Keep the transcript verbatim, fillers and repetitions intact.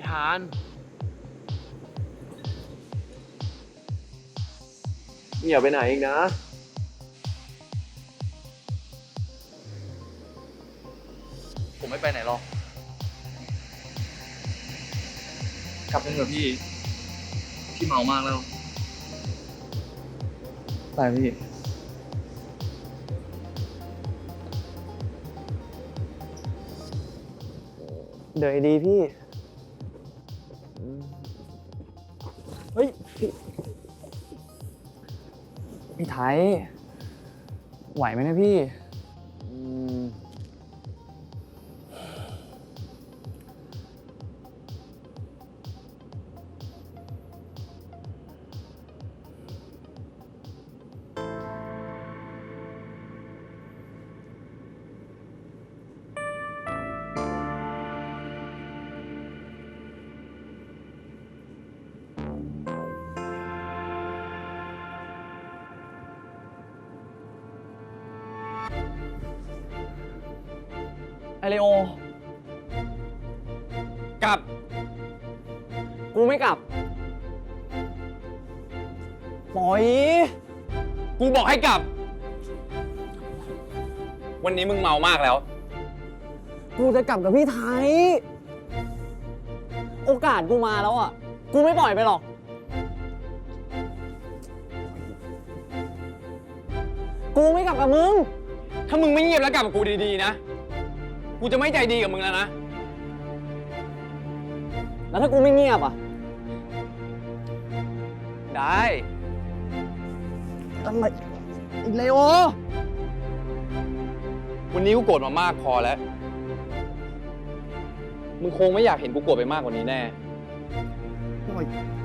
ทานอย่าไปไหนอีกนะผมไม่ไปไหนหรอกกลับไปเถอะพี่พี่เมามากแล้วไปพี่เดี๋ยวดีพี่เฮ้ยพี่พี่ไทยไหวไหมนะพี่อืมไอเลโอกลับ กูไม่กลับปล่อยกูบอกให้กลับ วันนี้มึงเมามากแล้วกูจะกลับกับพี่ไทย โอกาสกูมาแล้วอ่ะ กูไม่ปล่อยไปหรอก กูไม่กลับกับมึงถ้ามึงไม่เงียบแล้วกลับกับกูดีๆนะ กูจะไม่ใจดีกับมึงแล้วนะแล้วถ้ากูไม่เงียบอ่ะได้อะไรอีเลโอวันนี้กูโกรธมามากพอแล้ว มึงคงไม่อยากเห็นกูโกรธไปมากกว่านี้แน่ปล่อย